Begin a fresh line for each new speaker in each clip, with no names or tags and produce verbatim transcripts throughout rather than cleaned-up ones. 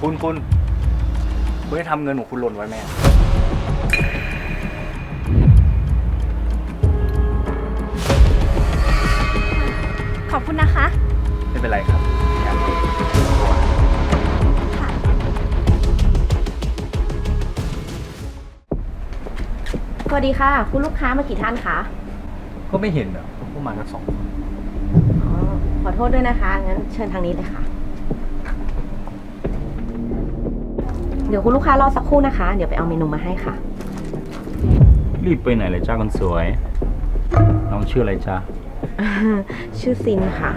คุณคุณคุณได้ทำเงินของคุณหล่นไว้ไหม
ขอบคุณนะคะ
ไม่เป็นไรครับ
ค่ะสวัสดีค่ะคุณลูกค้ามากี่ท่านคะ
ก็ไม่เห็นเหรอพวกมากันสองคน
อ๋อขอโทษด้วยนะคะงั้นเชิญทางนี้เลยค่ะเดี๋ยวคุณลูกค้ารอสักครู่นะคะเดี๋ยวไปเอาเมนูมาให้ค่ะ
รีบไปไหนเลยจ้าคนสวยน้องชื่ออะไรจ้า
ชื่อซินค่ะ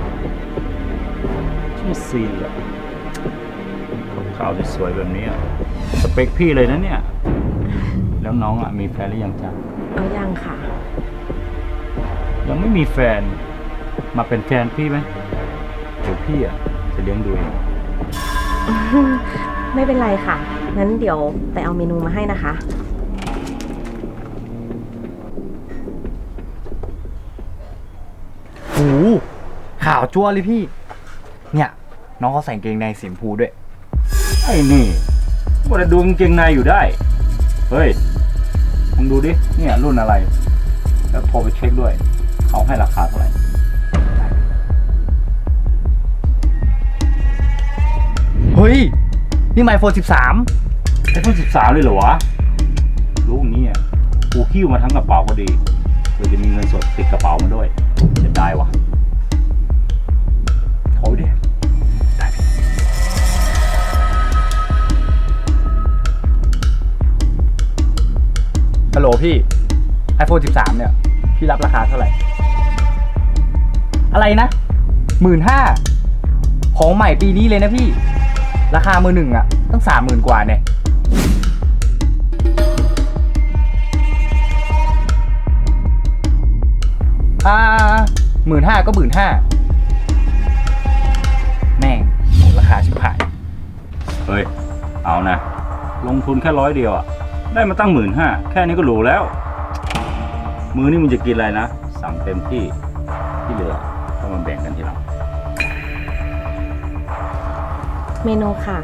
ชื่อซีนเหรอขาวๆสวยๆแบบนี้สเปคพี่เลยนะเนี่ยแล้วน้องอ่ะมีแฟนหรือยังจ้า
เอายังค่ะ
ยังไม่มีแฟนมาเป็นแฟนพี่ไหมเดี๋ยวพี่อ่ะจะเลี้ยงดูเอง
ไม่เป็นไรค่ะงั้นเดี๋ยวไปเอาเมนูมาให้นะคะ
โอ้ข่าวจั่วเลยพี่เนี่ยน้องเขาใส่กางเกงในสีชมพูด้วยไอ้นี่ว่าจะดูกางเกงในอยู่ได้เฮ้ยลองดูดิเนี่ยรุ่นอะไรแล้วโทรไปเช็คด้วยเขาให้ราคาเท่าไหร่เฮ้ยนี่ไมโครสิบสามไอโฟนสิบสามเลยเหรอวะรู้อย่างนี้อ่ะกูคิ้วมาทั้งกระเป๋าก็ดีเพื่อจะมีเงินสดติดกระเป๋ามาด้วยจะได้วะโทรดิได้ฮัลโหลพี่ ไอโฟนสิบสามเนี่ยพี่รับราคาเท่าไหร่อะไรนะหมื่นห้าของใหม่ปีนี้เลยนะพี่ราคามือหนึ่งอะตั้งสามหมื่นกว่าเนี่ยอ่าหมื่นห้าก็หมื่นห้าแม่งราคาชิบหายเฮ้ยเอานะลงทุนแค่ร้อยเดียวอะได้มาตั้งหมื่นห้าแค่นี้ก็หรูแล้วมือนี่มึงจะกินอะไรนะสั่งเต็มที่ที่เหลือต้องมาแบ่งกันทีหลัง
เมนูค่ะ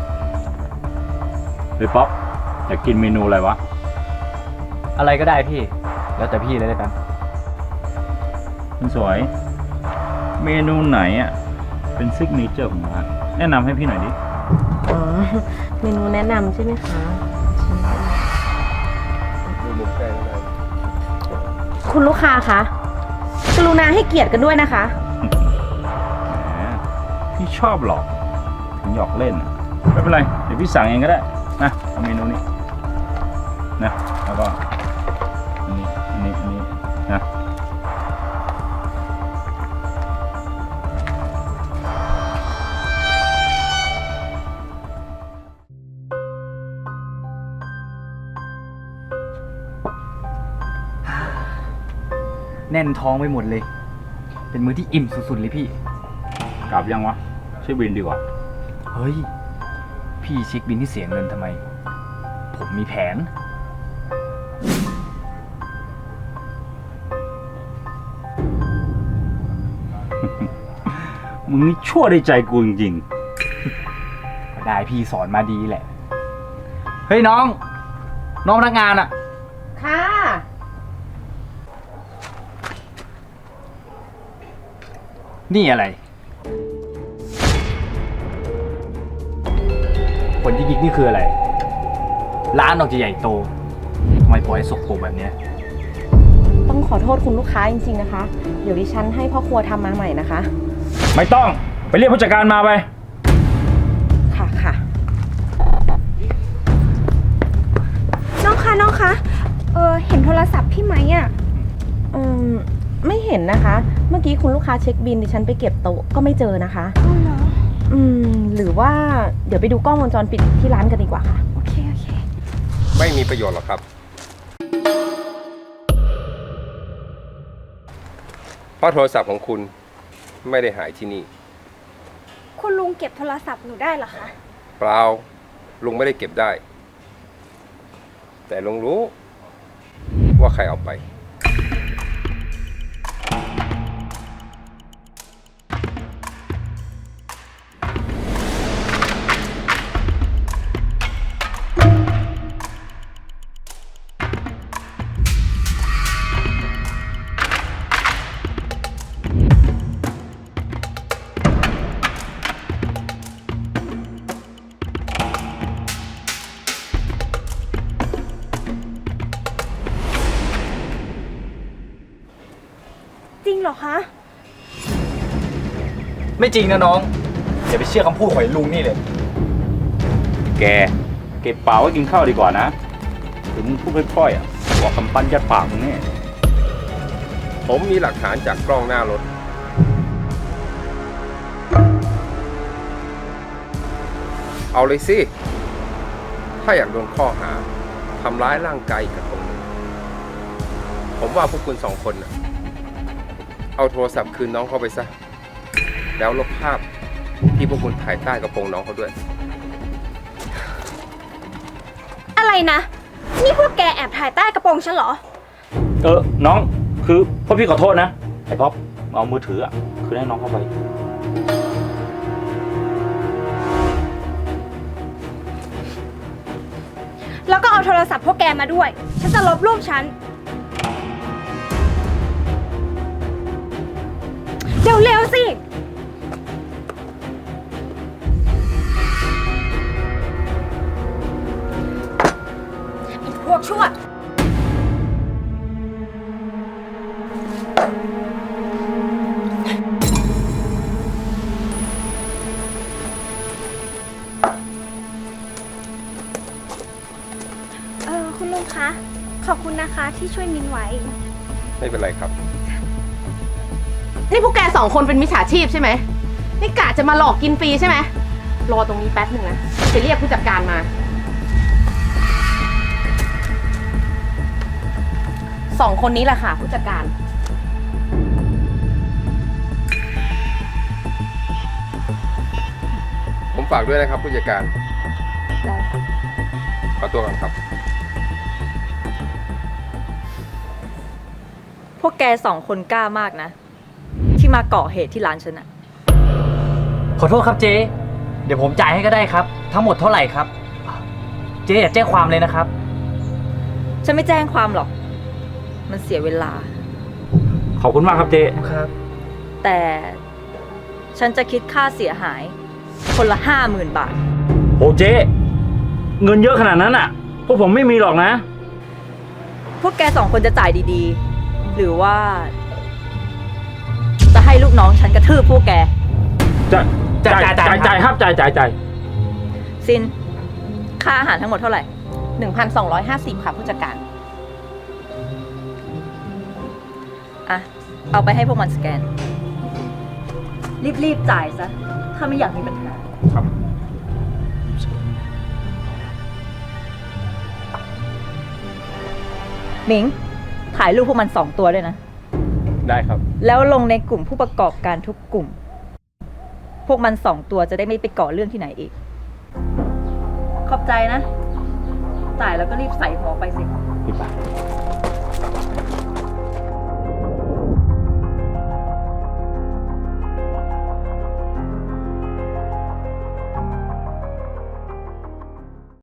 เฮ้ยป๊อปอยากกินเมนูอะไรวะอะไรก็ได้พี่แล้วแต่พี่เลยแล้วกันคุณสวยเมนูไหนอ่ะเป็นซิกเนเจอร์ของร้านแนะนำให้พี่หน่อยดิ
อ๋อเมนูแนะนำใช่ไหมคะคุณลูกค้าคะกรุณาให้เกียรติกันด้วยนะคะ
แหมพี่ชอบหรอกถึงหยอกเล่นไม่เป็นไรเดี๋ยวพี่สั่งเองก็ได้นะเอาเมนูนี้นะแล้วก็อันนี้อันนี้อันนี้นะแน่นท้องไปหมดเลยเป็นมื้อที่อิ่มสุดๆเลยพี่กลับยังวะใช้บินดีกว่าเฮ้ยพี่เช็คบินที่เสียเงินทำไมผมมีแผนมึงนี่ชั่วได้ใจกูจริงๆก็ได้พี่สอนมาดีแหละเฮ้ยน้องน้องพนักงานอะ
ค่ะ
นี่อะไรผลที่กิ๊กนี่คืออะไรร้านออกจะใหญ่โตทำไมปล่อยให้สกปรกแบบนี้
ต้องขอโทษคุณลูกค้าจริงๆนะคะเดี๋ยวดิฉันให้พ่อครัวทำมาใหม่นะคะ
ไม่ต้องไปเรียกผู้จัดการมาไป
ค่ะค่ะน้องคะน้องคะเออเห็นโทรศัพท์พี่ไหมอ่ะอืมไม่เห็นนะคะเมื่อกี้คุณลูกค้าเช็คบินดิฉันไปเก็บโต๊ะก็ไม่เจอนะคะอ๋อเหรออืมหรือว่าเดี๋ยวไปดูกล้องวงจรปิดที่ร้านกันดีกว่าค่ะโอเคโอเค
ไม่มีประโยชน์หรอกครับเพราะโทรศัพท์ของคุณไม่ได้หายที่นี่
คุณลุงเก็บโทรศัพท์หนูได้เหรอคะ
เปล่าลุงไม่ได้เก็บได้แต่ลุงรู้ว่าใครเอาไป
จริงเหรอคะ
ไม่จริงนะน้องอย่าไปเชื่อคำพูดของไอ้ลุงนี่เลย แกเก็บเปล่าไว้กินข้าวดีกว่านะถึงมึงพูดค่อยๆอ่ะบอกคำปั้นยัดปากมึงแน่
ผมมีหลักฐานจากกล้องหน้ารถ เอาเลยสิ ถ้าอยากโดนข้อหาทำร้ายร่างกายอีกกระทงหนึ่งผมว่าพวกคุณสองคนน่ะเอาโทรศัพท์คืนน้องเขาไปซะ แล้วลบภาพที่พวกคุณถ่ายใต้กระโปรงน้องเขาด้วย
อะไรนะ นี่พวกแกแอบถ่ายใต้กระโปรงฉันเหรอ
เออน้องคือพ่อพี่ขอโทษนะไอ้ป๊อปเอามือถืออ่ะคือให้น้องเข้าไป
แล้วก็เอาโทรศัพท์พวกแกมาด้วย ฉันจะลบรูปฉัน เร็วๆสิ พวกชั่วเออคุณลุงคะ ขอบคุณนะคะที่ช่วยมินไว้
ไม่เป็นไรครับ
นี่พวกแกสองคนเป็นมิจฉาชีพใช่ไหม นี่กะจะมาหลอกกินฟรีใช่ไหม รอตรงนี้แป๊บหนึ่งนะไปเรียกผู้จัดการมา สองคนนี้แหละค่ะผู้จัดการ
ผมฝากด้วยนะครับผู้จัดการ
ได้ค่ะ
ขอตัวก่อนครับ
พวกแกสองคนกล้ามากนะ ที่มาก่อเหตุที่ร้านฉันอะ
ขอโทษครับเจ๊เดี๋ยวผมจ่ายให้ก็ได้ครับ ทั้งหมดเท่าไหร่ครับ เจ๊อย่าแจ้งความเลยนะครับ
ฉันไม่แจ้งความหรอก มันเสียเวลา
ขอบคุณมากครับเจ๊ครับ
แต่ฉันจะคิดค่าเสียหาย คนละห้าหมื่นบาท
โอ้เจ๊เงินเยอะขนาดนั้นอ่ะ พวกผมไม่มีหรอกนะ
พวกแกสองคนจะจ่ายดีๆ หรือว่า จะให้ลูกน้องฉันกระทืบพวกแก
จ่ายจ่ายจ่ายจ่ายครับจ่ายจ่ายจ่าย
ซิน ค่าอาหารทั้งหมดเท่าไหร่
หนึ่งพันสองร้อยห้าสิบค่ะผู้จัดการ
อ่ะ เอาไปให้พวกมันสแกน รีบๆจ่ายซะ ถ้าไม่อยากมีปัญหา
ครับ
หมิง ถ่ายรูปพวกมันสองตัวด้วยนะ
ได้ครับ
แล้วลงในกลุ่มผู้ประกอบการทุกกลุ่ม พวกมันสองตัวจะได้ไม่ไปก่อเรื่องที่ไหนอีก ขอบใจนะ จ่ายแล้วก็รีบใส่หัวไปสิ
พี่ปา